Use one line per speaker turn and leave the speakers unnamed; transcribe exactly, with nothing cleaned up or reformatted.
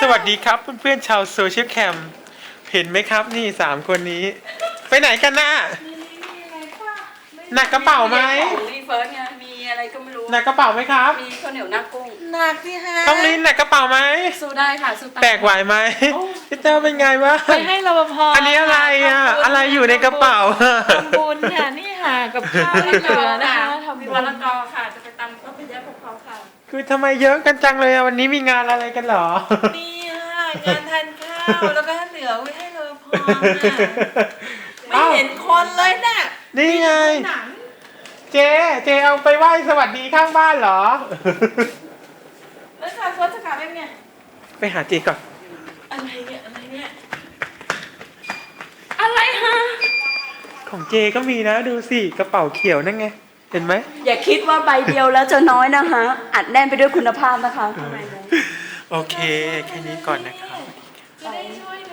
สวัสดีครับเพื่อนๆชาวโซเชียลแคมเห็นไหมครับนี่สามคนนี้ ไปไหนกันน่ะหนักกระเป๋าไหม
ของรีเฟิร์สไงมีอะไรก็ไม่รู้
หนักกระเป๋าไหมครับ
มีข้าวเหนียวหน้ากุ้ง
หนักที่ฮะ
ต้องลิ้นหนักกระเป๋าไหม
สู้ได้ค่ะสู้ตาม
แบกไหวไหมพี่เต้าเป็นไงวะ
ไปให้รปภ
อันนี้อะไรอ่ะอะไรอยู่ในกระเป๋า
ทำบุญค่ะนี่ค่ะกับข้าวที่เหลือนะคะทำ
มี
บุ
มะ
ญ
ละกอค่ะจะไปตำก็ไปแยกพวกเขาค่ะ
คือทำไมเยอะกันจังเลยอ่ะวันนี้มีงานอะไรกันเหรอ
นี่ค่ะงานทานข้าวแล้วก็เหลือไว้ให้รปภไม่
เอ้า
เห็นคนเลยน่ะ
นี่ไง
หนัง
เจเจเอาไปไหว้สวัสดีข้างบ้านเหรอ
แล้วค่ะเฟิร์สจะกลับยังไง
ไปหาเจก่อน
อะไรเนี่ยอะไรเนี่ยอะไรฮะ
ของเจก็มีนะดูสิกระเป๋าเขียวนั่นไงเห็นไหม
อย่าคิดว่าใบเดียวแล้วจะน้อยนะคะอัดแน่นไปด้วยคุณภาพนะคะข้างในนั้น
โอเคแค่นี้ก่อนนะครับ
จะได้ช่วย